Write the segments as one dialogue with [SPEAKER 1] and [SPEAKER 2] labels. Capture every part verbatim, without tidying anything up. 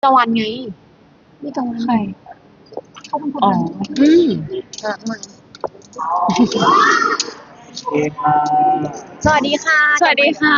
[SPEAKER 1] ตะวันไงนี่ตะวัน
[SPEAKER 2] ใคร
[SPEAKER 1] เขาเป็นคน
[SPEAKER 2] อ๋อ
[SPEAKER 1] อืมรักมัน
[SPEAKER 3] โอเคค่ะ
[SPEAKER 1] สวัสดีค่ะ
[SPEAKER 2] สวัสดีค่ะ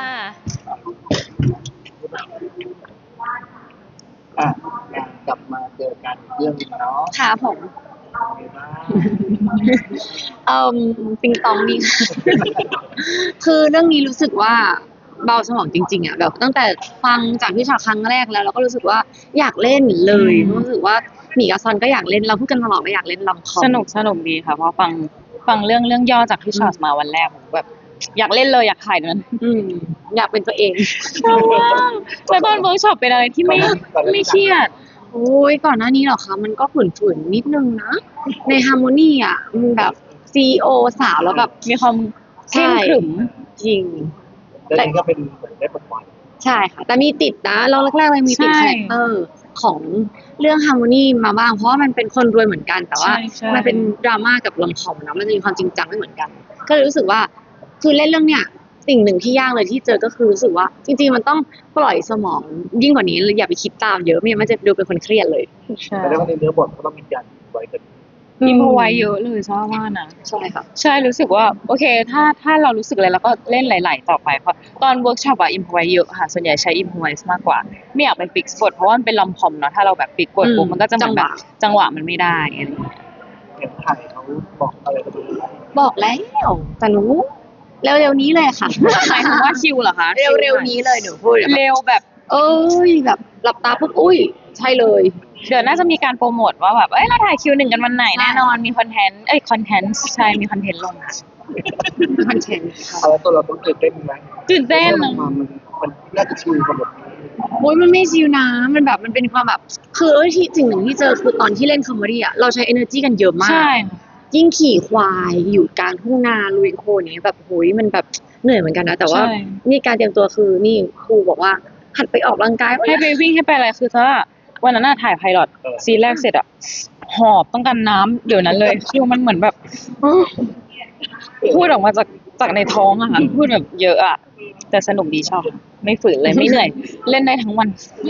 [SPEAKER 3] อ่ะงานกลับมาเจอกันเรื่องนี้เนาะ
[SPEAKER 1] ค่ะผม
[SPEAKER 3] เป็นไงบ้าง
[SPEAKER 1] เอ่อปิงตองนี่ คือเรื่องนี้รู้สึกว่าเบาสมองจริงๆอ่ะแบบตั้งแต่ฟังจากพี่ชาครั้งแรกแล้วเราก็รู้สึกว่าอยากเล่นเลย
[SPEAKER 2] อืม
[SPEAKER 1] รู้สึกว่าหมีกับซอนก็อยากเล่นเราพูดกันตลอดว่าอยากเล่นลำคอม
[SPEAKER 2] สนุกสนุกดีค่ะเพราะฟังฟังเรื่องเรื่องย่อจากพี่ชอตมาวันแรกผมแบบอยากเล่นเลยอยากถ่ายนั้น
[SPEAKER 1] อืมอยากเป็นตัวเอง
[SPEAKER 2] แล้วตอนเวิร์กช็อปเป็นอะไรที่ไม่ไม่เครียด
[SPEAKER 1] โอ้ยก่อนหน้านี้เหรอคะมันก็ฝืนๆนิดนึงนะ ในฮาร์โมนีอ่ะมันแบบซีโอสาวแล้วแบบ
[SPEAKER 2] มีความเคร่งขรึม
[SPEAKER 1] จริง
[SPEAKER 3] แล้วนี่ก็เป็นเหมือนได้ปลดปล่อย
[SPEAKER 1] ใช่ค่ะ แต่มีติดนะเราแรกๆเลยมีติด
[SPEAKER 2] ใช่
[SPEAKER 1] คาแรคเตอร์ของเรื่องฮาร์โมนีมาบ้าง เพราะว่ามันเป็นคนรวยเหมือนกัน แต่ว่า
[SPEAKER 2] ใช่ใช่
[SPEAKER 1] มันเป็นดราม่ากับลอมคอมนะมันจะมีความจริงจังไม่เหมือนกัน ก็เลยรู้สึกว่าคือเล่นเรื่องเนี้ยสิ่งหนึ่งที่ยากเลยที่เจอก็คือรู้สึกว่า จริงๆมันต้องปล่อยสมองยิ่งกว่านี้อย่าไปคิดตามเยอะไม่งั้นมันจะดูเป็นคนเครียดเลย
[SPEAKER 2] ใช่
[SPEAKER 3] แต่แล้วก็ในเนื้อบทก็ต้องมีการไว้กัน
[SPEAKER 2] อิมพอไว้เยอะเลยชอบว่านะ
[SPEAKER 1] ใช่ค่ะ
[SPEAKER 2] ใช่รู้สึกว่าโอเค ถ้าถ้าเรารู้สึกอะไรเราก็เล่นไหลๆต่อไปเพราะตอนเวิร์กช็อปอะอิมพอไว้เยอะค่ะส่วนใหญ่ใช้อิมพอไว้มากกว่า ไม่อยากไปฟิกซ์บทเพราะว่ามันเป็นลอมคอมเนาะถ้าเราแบบฟิกบทปุ๊บ
[SPEAKER 1] อืม
[SPEAKER 2] มันก็จะเหมือนแบบ
[SPEAKER 1] จั
[SPEAKER 2] จัง
[SPEAKER 1] ง
[SPEAKER 2] ห
[SPEAKER 1] ห
[SPEAKER 2] วะ
[SPEAKER 1] วะ
[SPEAKER 2] มันไม่ได้อะไรอย่างเงี้ย
[SPEAKER 3] เห็นไทยเขาบอกอะไรกันดู
[SPEAKER 1] บอกแล้วแต่หนูเร็วๆนี้เลยค่ะ
[SPEAKER 2] หมายถึงว่าคิวเหรอคะ
[SPEAKER 1] เร็วๆนี้เลยหนูพูดแบบ
[SPEAKER 2] เร็วแบบ
[SPEAKER 1] เอ้ยแบบหลับตาปุ๊บอุ้ยใช่เลย
[SPEAKER 2] เดี๋ยวน่าจะมีการโปรโมทว่าแบบเอ้ยเราถ่ายคิวหนึ่งกันวันไหน
[SPEAKER 1] ใช่
[SPEAKER 2] แน่นอนมีคอนเทนต์เอ้ยคอนเทนต์ใช่มีคอนเทนต์ลงค่ะ
[SPEAKER 1] คอนเทนต์ค่ะ
[SPEAKER 3] เอาแล้วตัวเราต้องตื่นเต้นไหม
[SPEAKER 2] ตื่นเต้น
[SPEAKER 3] มันมันมันน่าจะชิลกับบทนี้
[SPEAKER 1] โอ้ยมันไม่ชิวนะมันแบบมันเป็นความแบบคือเอ้ยที่สิ่งหนึ่งที่เจอคือตอนที่เล่นคอมเมดี้อะเราใช้ energy กันเยอะมาก
[SPEAKER 2] ใช่
[SPEAKER 1] ยิ่งขี่ควายอยู่กลางทุ่งนาลุยโคลนอย่างเนี้ยแบบโหยมันแบบเหนื่อยเหมือนกันนะแต่ว่า
[SPEAKER 2] ใช่
[SPEAKER 1] นี่การเตรียมตัวคือนี่ครูบอกว่าหัดไปออกกำลังกาย
[SPEAKER 2] ให้ไปวิ่งให้ไปอะไรคือถ้าวันนั้นน่ะถ่ายไพลอตซีนแรกเสร็จอะหอบต้องการน้ำเดี๋ยวนั้นเลยคือมันเหมือนแบบ พูดออกมาจากจากในท้องอะค่ะพูดแบบเยอะอะแต่สนุกดีชอบไม่ฝืนเลยไม่เหนื่อย เล่นได้ทั้งวัน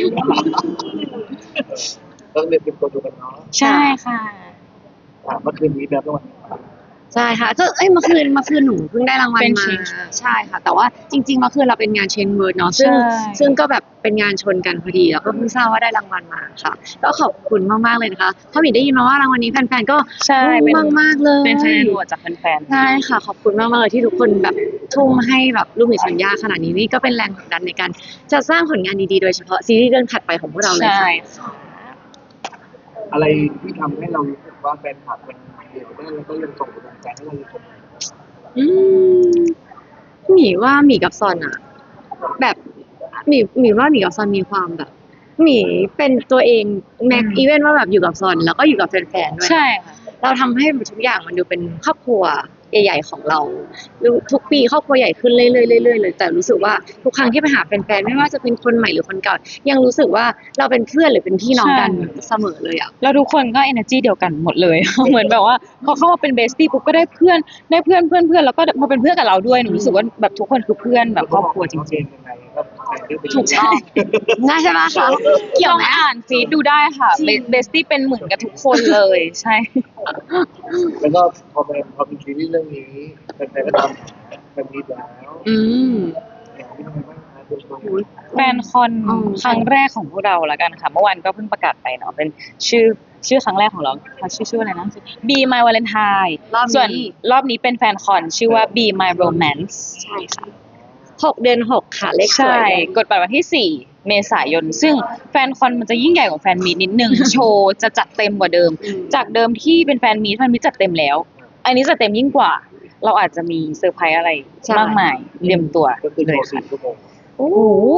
[SPEAKER 3] ต้องเรียนเตรียมตัวดูกันเนาะ
[SPEAKER 2] ใช่ค่ะ
[SPEAKER 3] อ่ะเมื่อคืนนี้แบบวัน
[SPEAKER 1] ใช่ค่ะก็เอ้ยเมื่อคืนเมื่อคืนหนูเพิ่งได้รางวัล
[SPEAKER 2] เป็น
[SPEAKER 1] มา
[SPEAKER 2] Change
[SPEAKER 1] ใช่ค่ะ แต่ว่าจริงๆเมื่อคืนเราเป็นงานเชนเวิร์ดเนาะซึ่ง
[SPEAKER 2] ใช่
[SPEAKER 1] ซึ่งก็แบบเป็นงานชนกันพอดีแล้วก็เพิ่งทราบว่าได้รางวัลมาค่ะ ก็ขอบคุณมากๆเลยนะคะเพราะหมีได้ยินมาว่ารางวัลนี้แฟนๆก็
[SPEAKER 2] ใช่เป็น
[SPEAKER 1] มากมากๆเลย
[SPEAKER 2] เป็นคะแนนโหวตจากแฟนๆ
[SPEAKER 1] ใช่ค่ะ ขอบคุณมากๆเลยที่ทุกคนแบบทุ่มให้แบบลูกหมีสัญญาขนาดนี้นี่ก็เป็นแรงผลักดันในการจะสร้างผลงานดีๆโดยเฉพาะซีรีส์เรื่องถัดไปของพวกเราเลย
[SPEAKER 2] ใช่
[SPEAKER 1] ค่ะ
[SPEAKER 3] อะไรที่ทำให้เรารู้สึกว่าแฟนคลับมันเดียวได้แล้วก็ยังส่งกำลังใจให้เราอยู่เสมอ
[SPEAKER 1] อืมหมีว่าหมีกับซอนอะแบบหมีหมีว่าหมีกับซอนมีความแบบหมีเป็นตัวเองแม็ก
[SPEAKER 2] อืม
[SPEAKER 1] อีเวนว่าแบบอยู่กับซอนแล้วก็อยู่กับแฟนๆด้วย
[SPEAKER 2] ใช่ค่ะ
[SPEAKER 1] เราทำให้ทุกอย่างมันดูเป็นครอบครัวใหญ่ๆของเราทุกปีครอบครัวใหญ่ขึ้นเรื่อยๆเรื่อยๆเลยแต่รู้สึกว่าทุกครั้งที่ไปหาแฟนๆไม่ว่าจะเป็นคนใหม่หรือคนเก่ายังรู้สึกว่าเราเป็นเพื่อนหรือเป็นพี่น้องกัน
[SPEAKER 2] ใช่
[SPEAKER 1] เสมอเลยอ่ะ
[SPEAKER 2] แล้วทุกคนก็ energy เดียวกันหมดเลย เหมือนแบบว่าพอเข้ามาเป็นเบสตี้ปุ๊บก็ได้เพื่อนได้เพื่อนเพื่อนเพื่อนแล้วก็มาเป็นเพื่อนกับเราด้วยหนูรู้สึกว่าแบบทุกคนคือเพื่อนแบบครอบครัวจริง
[SPEAKER 3] ๆยังไงก็แฟนได้ไป
[SPEAKER 1] ถูกต้องน่าใช่ไหมคะ
[SPEAKER 2] ๆ
[SPEAKER 1] เกี่ยว
[SPEAKER 2] ลอง
[SPEAKER 1] ไหม
[SPEAKER 2] อ่านฟีดดูได้ค่ะเบสตี้เป็นเหมือนกับทุกคนเลยใช่
[SPEAKER 3] แล้วก็พอเป็นพอเป็นซีรีส์เรื่องนี้แฟนๆก็ทำแบบนี้แล้ว
[SPEAKER 1] อืม
[SPEAKER 3] อย่างที่ทำไมบ้างคะตัวตัว
[SPEAKER 1] โอ้ย
[SPEAKER 2] แฟนคอน
[SPEAKER 1] อืม
[SPEAKER 2] ครั้งแรกของพวกเราแล้วกันค่ะเมื่อวานก็เพิ่งประกาศไปเนาะเป็นชื่อชื่อครั้งแรกของเราค่ะชื่อชื่ออะไรนะ Be My Valentine
[SPEAKER 1] รอบนี้
[SPEAKER 2] ส่วนรอบนี้เป็นแฟนคอนชื่อว่า Be My Romance
[SPEAKER 1] ใช่ค่ะหกเดือนหกค่ะเลขส
[SPEAKER 2] ใช่
[SPEAKER 1] วย
[SPEAKER 2] กดบัตรวันที่สี่เมษายน ซึ่งแฟนคอนมันจะยิ่งใหญ่กว่าแฟนมีตนิดนึง โชว์จะจัดเต็มกว่าเดิม
[SPEAKER 1] อืม
[SPEAKER 2] จากเดิมที่เป็นแฟนมีตแฟนมีตจัดเต็มแล้ว อันนี้จัดเต็มยิ่งกว่า เราอาจจะมีเซอร์ไพรส์อะไรมากมายเตรียมตัว
[SPEAKER 3] ก็คือ
[SPEAKER 2] เล
[SPEAKER 3] โช
[SPEAKER 2] ย
[SPEAKER 3] ว์
[SPEAKER 2] ค่ะ
[SPEAKER 3] สี่ชั่วโมง
[SPEAKER 1] โอ้
[SPEAKER 2] โอ้โห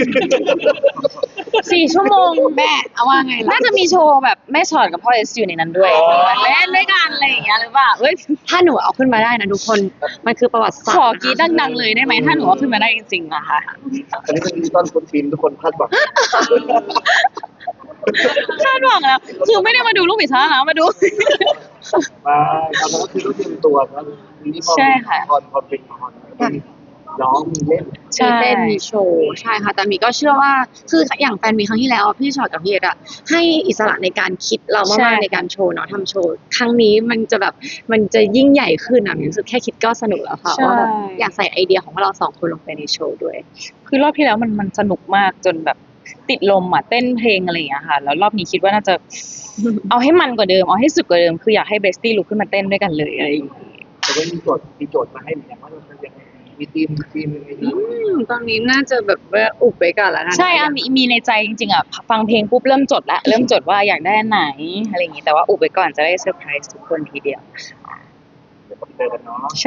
[SPEAKER 2] สี่ชั่วโมง
[SPEAKER 1] แม่เอาว่าไงล่ะ
[SPEAKER 2] น่าจะมีโชว์แบบแม่ชอดกับพ่อเอสอยู่ในนั้นด้วยเล่นด้วยกันอะไรอย่างเงี้ยหรือเปล่าเอ้ย
[SPEAKER 1] ถ้าหนูเอาขึ้นมาได้นะทุกคน มันคือประวัติศาสต
[SPEAKER 2] ข
[SPEAKER 1] ร์
[SPEAKER 2] อ
[SPEAKER 1] นะคะ
[SPEAKER 2] กรีดดังๆเลยได้ไหมถ้าหนูเอาขึ้นมาได้จริงๆอะค่ะ
[SPEAKER 3] อันนี้เป็นดิจิตอลฟุตฟิล์มทุกคนคาดหวัง
[SPEAKER 2] คาดหวังแล้วคือไม่ได้มาดูลูกหมีช้านะมาดู
[SPEAKER 3] มาตอนนั้นก็คือต้องเตรียมตัวนะทีนี้พอ
[SPEAKER 2] ใช่ค่ะ
[SPEAKER 3] พอพอเป็นคอนร้องมีเล่น
[SPEAKER 2] ใช่
[SPEAKER 1] มีเต้นมีโชว์ใช่ค่ะแต่มีก็เชื่อว่าคืออย่างแฟนมีครั้งที่แล้วอะพี่ชอตกับพี่เอ็ดอะให้อิสระในการคิดเรา
[SPEAKER 2] ใช่
[SPEAKER 1] มากๆในการโชว์เนาะทำโชว์ครั้งนี้มันจะแบบมันจะยิ่งใหญ่ขึ้นอะมีรู้สึกแค่คิดก็สนุกแล้วค่ะ
[SPEAKER 2] ใช่
[SPEAKER 1] ว่าแบบอยากใส่ไอเดียของพวกเราสองคนลงไปในโชว์ด้วย
[SPEAKER 2] คือรอบที่แล้วมันมันสนุกมากจนแบบติดลมอ่ะเต้นเพลงอะไรอย่างเงี้ยค่ะ แล้วรอบนี้คิดว่าน่าจะ เอาให้มันกว่าเดิมเอาให้สุดกว่าเดิมคืออยากให้เบสตี้ลุกขึ้นมาเต้นด้วยกันเลยอะไรอย่างเงี้ย
[SPEAKER 3] แต่ว่ามีโจทย์มีโจทย์มาให้เหมือนกันว่าเราจะยังไงมีทีมทีมยังไง
[SPEAKER 1] อืมตอนนี้น่าจะแบบว่าอุบไว้ก่อนแล้วกัน
[SPEAKER 2] ใช่อ่ะมีมีในใจจริงๆอ่ะฟังเพลงปุ๊บเริ่มจดละเริ่มจดว่าอยากได้อันไหนอะไรอย่างงี้แต่ว่าอุบไว้ก่อนจะได้เซอร์ไพรส์ทุกคนทีเดียว
[SPEAKER 3] เดี๋ยวเจอกันเนาะ
[SPEAKER 2] ใช่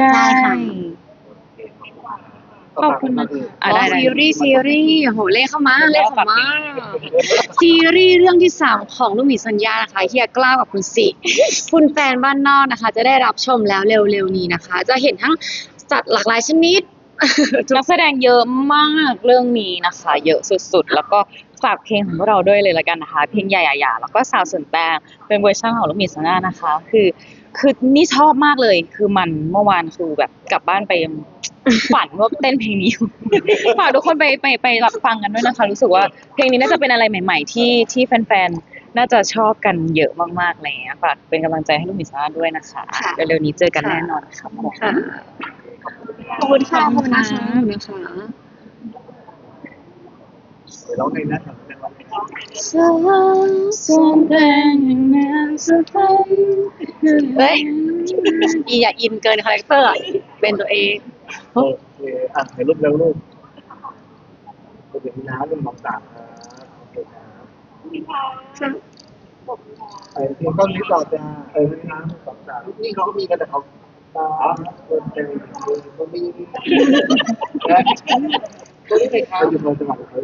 [SPEAKER 2] ขอบคุณนะ
[SPEAKER 3] ต่
[SPEAKER 2] อ่ะ
[SPEAKER 1] อ๋อ
[SPEAKER 2] ได้ได้
[SPEAKER 1] ซีรีส์ซีรีส์โหเลขเข้ามาเลขเข้ามาซีรีส์เรื่องที่สามของลูกหมีสัญญานะคะเฮียกล้าวกับคุณสิคุณแฟนบ้านนอกนะคะ จะได้รับชมแล้วเร็วๆนี้นะคะ จะเห็นทั้งสัตว์หลากหลายชนิด
[SPEAKER 2] นักแสดงเยอะมากเรื่องนี้นะคะ เยอะสุดๆ แล้วก็ฝากเพลงของพวกเราด้วยเลยละกันนะคะ เพลงใหญ่ๆๆแล้วก็สาวสวนแตงเป็นเวอร์ชันของลูกหมีซาน่านะคะ คือคือนี่ชอบมากเลย คือมันเมื่อวานคือแบบกลับบ้านไปยัง ฝันว่าเต้นเพลงนี้อยู่ ฝากทุกคนไปไปไปรับฟังกันด้วยนะคะ รู้สึกว่าเพลงนี้น่าจะเป็นอะไรใหม่ ๆ ที่ที่แฟนๆ น่าจะชอบกันเยอะมากๆอะไรอย่างเงี้ยฝากเป็นกำลังใจให้ลูกหมีซาน่าด้วยนะคะ
[SPEAKER 1] ค่ะ
[SPEAKER 2] เร็วๆนี้เจอกันแน่นอนครับผม
[SPEAKER 1] ค่ะขอบคุณค่ะขอบคุณนะคะขอบคุณนะคะ
[SPEAKER 3] เดี๋ยวร้องในนั้นของเป็นวันไหน
[SPEAKER 1] สาวสวนแตงแม่สะพานเฮ้ยอีอย่าอินเกินคาแรคเตอร์อะเป็นตัวเอง
[SPEAKER 3] โอเคอ่ะเดี๋ยวรูปเร็วรูปเดี๋ยวมีน้ำเป็นของต่างครับโอเคครับไอ้ที่ต้นนี้ต่อจะเออมีน้ำเป็นของต่างนี่เขาก็มีกันแต่เขาตาคนเป็นเขามีนะตัวนี้เลยครับอยู่ในจังหวัดเขา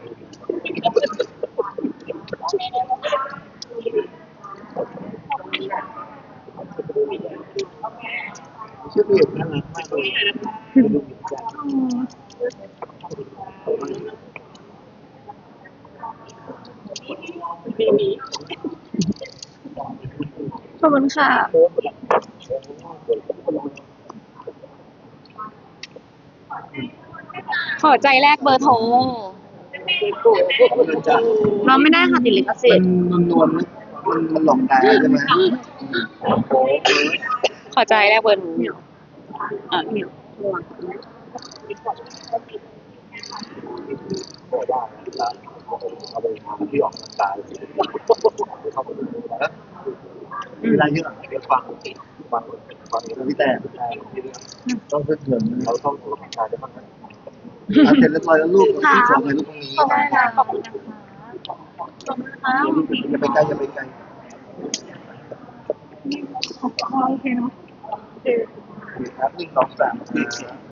[SPEAKER 3] ชื่อเพจน่ารักมากเลยดูดีจัง
[SPEAKER 1] ขอบคุณค่ะ
[SPEAKER 2] ขอใจแรกเบอร์โทร
[SPEAKER 1] เราไม่ได้ค่ะติดลิขสิ
[SPEAKER 3] เป็
[SPEAKER 1] ท
[SPEAKER 3] น
[SPEAKER 1] ธิ์
[SPEAKER 3] นวลๆนะมันมันหลอกตาใช่ไหมโอ้โห
[SPEAKER 2] ขอใจแรกเบอร์โทรอ่ะ
[SPEAKER 1] เหนียวระวัง
[SPEAKER 3] บอกว่าเอาไปที่ออกน้ำตาเลยเข้าไปดูนะเวลาเยอะเดี๋ยวฟังฟังฟังแล้วพี่แต่ต้องเพื่อนเพื่อนเราต้องออกน้ำตาได้บ้างนะเสร็จเรียบร้อยแล้วลูกที่สองเลยลูกตรงนี้
[SPEAKER 1] ขอบคุณค่ะขอบคุณนะคะขอบคุณนะคะ
[SPEAKER 3] อย่าไปใกล้อย่าไปใกล้
[SPEAKER 1] โอเคเนาะ
[SPEAKER 3] ครับหนึ่งสองสาม